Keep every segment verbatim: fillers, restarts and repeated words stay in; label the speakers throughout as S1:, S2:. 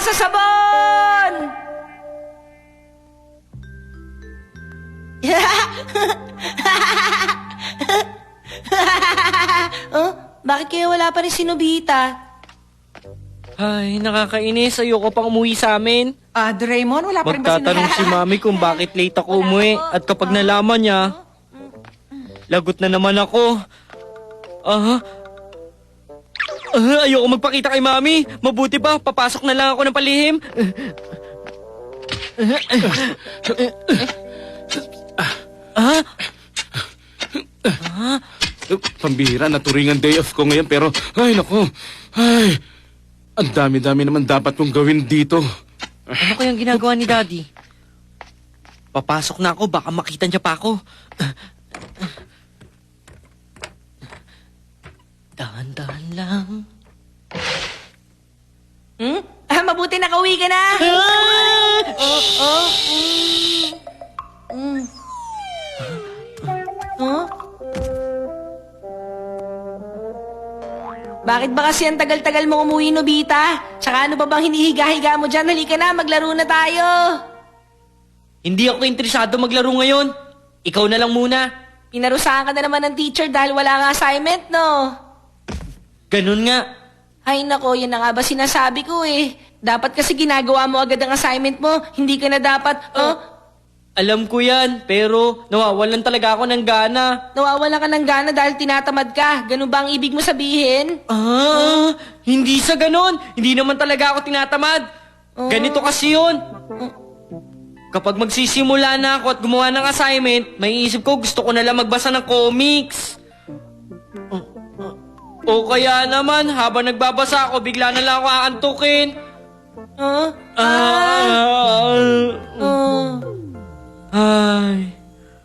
S1: sa sabon! Oh, bakit kaya wala pa rin si Nobita?
S2: Ay, nakakainis. Ayoko pang umuwi sa amin.
S3: Ah, Doraemon, wala pa rin ba
S2: Magtatanong si Mami kung bakit late ako umuwi. At kapag nalaman niya, lagot na naman ako. Ah, ah ayoko magpakita kay Mami. Mabuti pa, papasok na lang ako ng palihim. Ah?
S4: Uh, Pambihira, naturingan day off ko ngayon pero, ay nako, ay, ang dami-dami naman dapat kong gawin dito.
S2: Ano kayang ginagawa ni Daddy? Papasok na ako, baka makita niya pa ako. Dahan-dahan lang.
S1: Hmm? Ah, mabuti nakauwi ka na! Oh, oh, mm. Mm. Huh? Bakit ba kasi ang tagal-tagal mo umuwi, Nobita? Tsaka ano ba bang hinihiga-higa mo dyan? Halika na, maglaro na tayo!
S2: Hindi ako interesado maglaro ngayon. Ikaw na lang muna.
S1: Pinarusahan ka na naman ng teacher dahil wala nga assignment, no?
S2: Ganun nga.
S1: Ay nako, yan na nga ba sinasabi ko eh. Dapat kasi ginagawa mo agad ang assignment mo. Hindi ka na dapat, oh,
S2: Alam ko yan, pero nawawalan talaga ako ng gana.
S1: nawawalan ka ng gana dahil tinatamad ka. Ganun ba ang ibig mo sabihin?
S2: Ah, hindi sa ganun. Hindi naman talaga ako tinatamad. Ganito kasi yun. Kapag magsisimula na ako at gumawa ng assignment, may isip ko gusto ko na lang magbasa ng comics. O kaya naman, habang nagbabasa ako, bigla na lang ako aantukin.
S1: Huh?
S2: Ah,
S1: Oh.
S2: ay.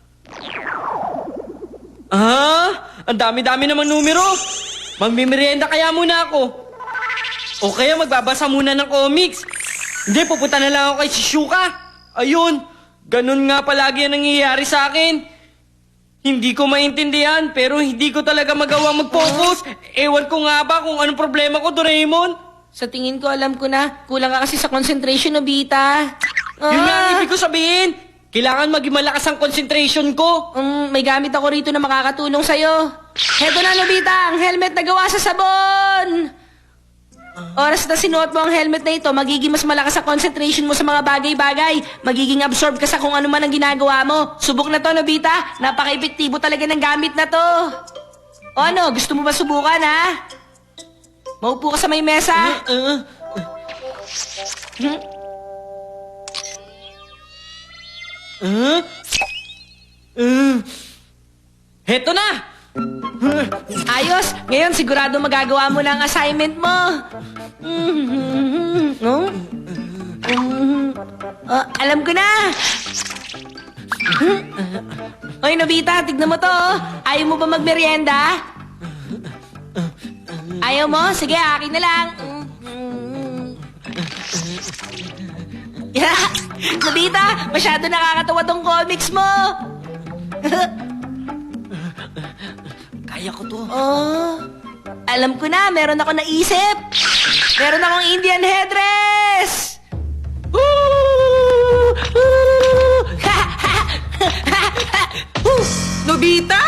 S2: Ah, ang dami-dami namang numero. Magmimerienda kaya muna ako. O kaya magbabasa muna ng comics. Hindi, pupunta na lang ako kay Shizuka. Ayun, ganun nga palagi ang nangyayari sa akin. Hindi ko maintindihan, pero hindi ko talaga magawang mag-focus. Ewan ko nga ba kung anong problema ko, Doraemon.
S1: Sa tingin ko, alam ko na. Kulang ka kasi sa concentration, Nobita.
S2: Yun nga ang
S1: Ah!
S2: ibig ko sabihin. Kailangan maging malakas ang concentration ko.
S1: Um, may gamit ako rito na makakatulong sa'yo. Heto na, Nobita, ang helmet na gawa sa sabon! Oras na sinuot mo ang helmet na ito, magiging mas malakas ang concentration mo sa mga bagay-bagay. Magiging absorb ka sa kung ano man ang ginagawa mo. Subok na to, Nobita. Napaka-epektibo talaga ng gamit na to. O ano, gusto mo ba subukan, ha? Maupo ka sa may mesa.
S2: Uh,
S1: Hmm?
S2: uh, uh, heto na!
S1: Ayos! Ngayon, sigurado magagawa mo na ang assignment mo. Mhm. No? Mhm. Oh, alam ko na! Hoy, Nobita, tignan mo to. oh. Ayaw mo ba magmerienda? Ayaw mo? Sige, akin na lang. Yeah. Nobita, masyado nakakatawa tong comics mo.
S2: Kaya ko to.
S1: Oh, alam ko na, meron ako naisip. Meron akong Indian headdress.
S3: Nobita!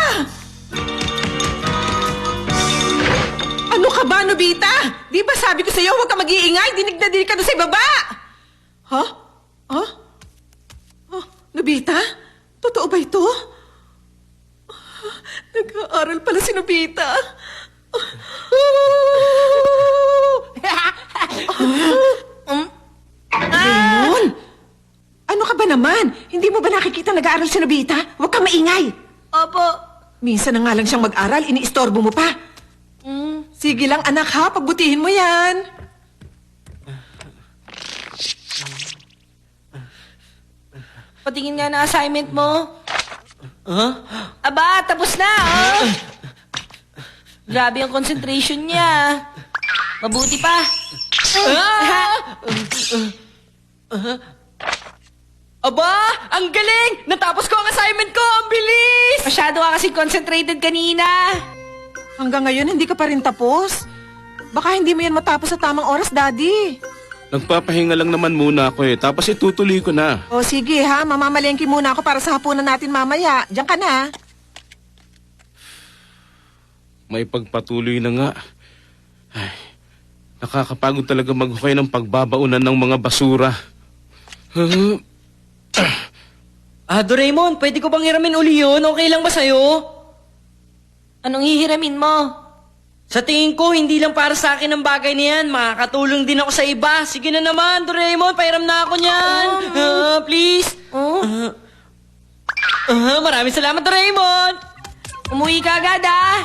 S3: Ano ka ba, Nobita? Di ba sabi ko sa'yo, huwag ka mag-iingay. Dinig na dinig ka doon sa ibaba. Ha? Ha? Oh, Nobita? Totoo ba ito? Ah, nag-aaral pala si Nobita.
S1: Um,
S3: Raymond? Ano ka ba naman? Hindi mo ba nakikita nag-aaral si Nobita? Huwag kang maingay.
S1: Opo.
S3: Minsan na nga lang siyang mag-aral, iniistorbo mo pa.
S1: Mm.
S3: Sige lang, anak ha, pagbutihin mo yan.
S1: Patingin nga na assignment mo.
S2: Huh?
S1: Aba, tapos na, oh. Grabe ang concentration niya. Mabuti pa.
S2: Aba, ang galing! Natapos ko ang assignment ko! Ang bilis!
S1: Masyado ka kasi concentrated kanina.
S3: Hanggang ngayon, hindi ka pa rin tapos. Baka hindi mo yan matapos sa tamang oras, Daddy.
S4: Nagpapahinga lang naman muna ako eh. Tapos itutuloy ko na.
S3: O sige ha, mamamalengke muna ako para sa hapunan natin mamaya. Diyan ka na.
S4: May pagpatuloy na nga. Ay, nakakapagod talaga maghukay ng pagbabaunan ng mga basura. Huh?
S2: Ah, Doraemon, pwede ko bang hiramin uli yun? Okay lang ba sa'yo?
S1: Anong hihiramin mo?
S2: Sa tingin ko, hindi lang para sa akin ang bagay na yan. Makakatulong din ako sa iba. Sige na naman, Doraemon, pahiram na ako niyan. Ah, please.
S1: Oh?
S2: Ah, maraming salamat, Doraemon.
S1: Umuwi ka agad, ah!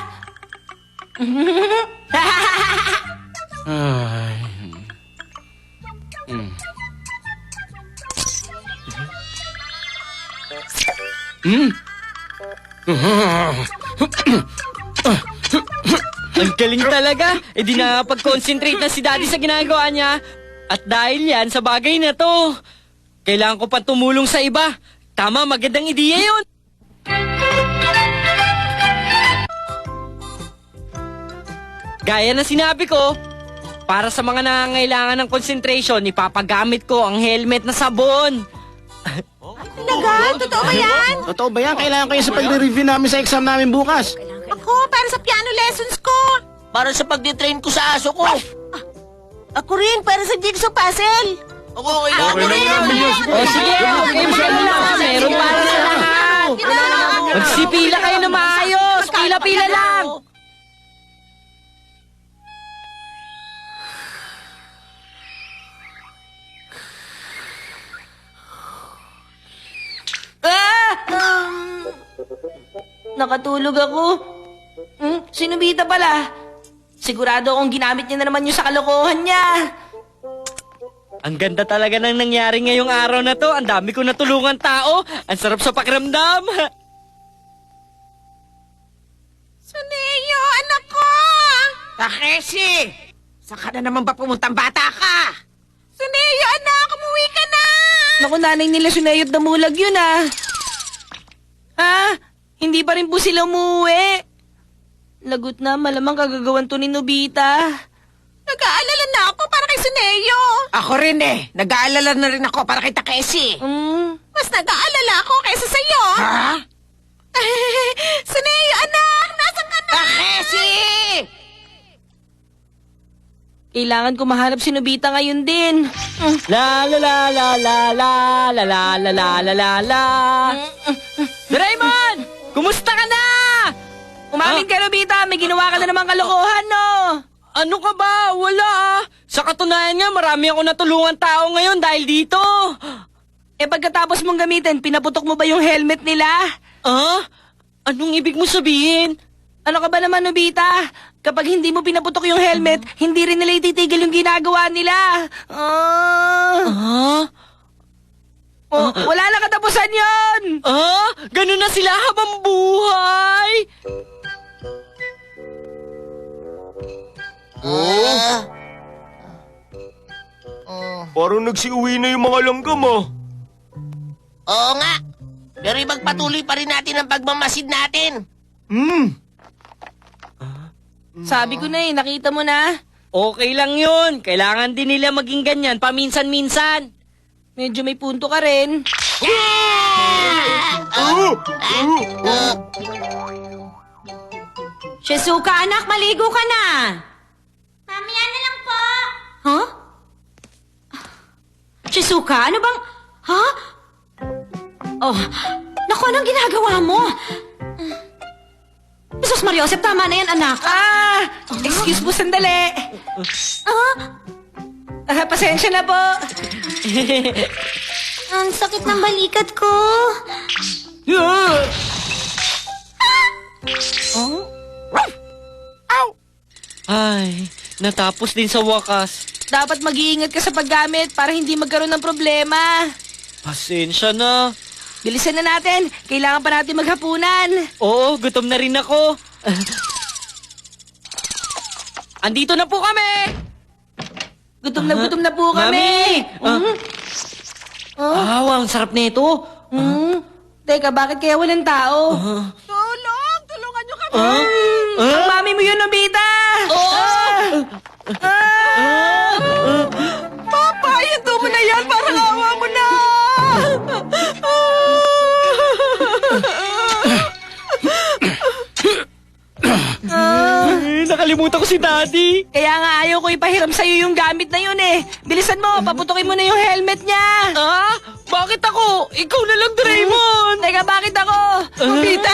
S4: Ay. Hmm. Hmm?
S2: Ang galing talaga. E di nakapag-concentrate na si Daddy sa ginagawa niya. At dahil yan sa bagay na to, kailangan ko pa tumulong sa iba. Tama, magandang ideya yun. Gaya na sinabi ko, para sa mga nangangailangan ng concentration, ipapagamit ko ang helmet na sabon.
S3: Talaga? Totoo ba yan?
S5: Totoo ba yan? Kailangan ko yan sa pagre-review namin sa exam namin bukas.
S3: Ako, para sa piano lessons ko.
S5: Para sa pagtitrain ko sa aso ko.
S3: Ako rin, para sa jigsaw puzzle.
S5: Ako, kailangan ko rin.
S2: O sige, okay mo lang. Meron para sa lahat. Magsipila kayo na maayos. Pila-pila lang.
S1: Ah! Nakatulog ako. Hmm? Si Nobita pala. Sigurado akong ginamit niya na naman yung sa kalokohan niya.
S2: Ang ganda talaga ng nangyari ngayong araw na to. Ang dami ko natulungan tao. Ang sarap sa pakiramdam.
S3: Suneo, anak ko! Takeshi! Saan ka na naman ba pumuntang bata ka? Suneo, anak! Umuwi ka na!
S1: Naku, nanay nila Sunayot Damulag yun, ah. Ha? Hindi pa rin po sila umuwi. Lagot na, malamang kagagawan to ni Nobita.
S3: Nag-aalala na ako para kay Suneo. Ako rin eh. Nag-aalala na rin ako para kay Takeshi.
S1: Hmm?
S3: Mas nag-aalala ako kaysa sa'yo. Ha? Suneo, anak! Nasaan ka na? Takeshi!
S1: Kailangan ko mahanap si Nobita ngayon din. Hmm.
S2: La la la la la la la la la la la la la. Doraemon! Kumusta ka na?
S1: Umamin ka, Nobita. May ginawa ka na namang kalokohan, no?
S2: Ano ka ba? Wala ah. Sa katunayan nga, marami ako natulungan tao ngayon dahil dito.
S1: Eh, pagkatapos mong gamitin, pinaputok mo ba yung helmet nila?
S2: Ah? Anong ibig mo sabihin?
S1: Ano ka ba naman, Nobita? Kapag hindi mo pinaputok yung helmet, hindi rin nila ititigil yung ginagawa nila. Ah.
S2: Ah?
S1: Oh, wala na katapusan yon.
S2: Ah? Ganun na sila habang buhay?
S6: Parang nagsiuwi na yung mga langgam ah.
S5: Oo nga. Pero magpatuloy pa rin natin ang pagmamasid natin.
S6: Hmm.
S1: Sabi ko na eh, nakita mo na.
S2: Okay lang yun. Kailangan din nila maging ganyan paminsan-minsan.
S1: Medyo may punto ka rin.
S7: Shizuka, anak, maligo ka na.
S8: Mamaya na lang po.
S7: Huh? Shizuka, ano bang... Ha? Oh, naku, anong ginagawa mo? Jesus Mariosep, tama na yan, anak.
S1: Ah! Excuse po, sandali.
S7: Ah,
S1: Ah, pasensya na po.
S8: Ang sakit ng balikat ko.
S2: Ay, natapos din sa wakas.
S1: Dapat mag-iingat ka sa paggamit para hindi magkaroon ng problema.
S2: Pasensya na.
S1: Bilisan na natin. Kailangan pa natin maghapunan.
S2: Oo, gutom na rin ako. Andito na po kami!
S1: Gutom na gutom na po kami.
S2: Mami! Ah, wow, ang sarap nito.
S1: Hmm? Teka, bakit kaya walang tao?
S3: Tulong! Tulungan niyo kami!
S2: Ah?
S1: Ang mami mo yun, Nobita!
S2: Oh!
S1: Ah!
S3: Papa!
S2: nakalimutan ko si Daddy.
S1: Kaya nga ayaw ko ipahiram sa'yo yung gamit na yun eh. Bilisan mo, paputukin mo na yung helmet niya.
S2: Ah? Bakit ako? Ikaw na lang, Doraemon!
S1: Teka, bakit ako?
S3: Nobita,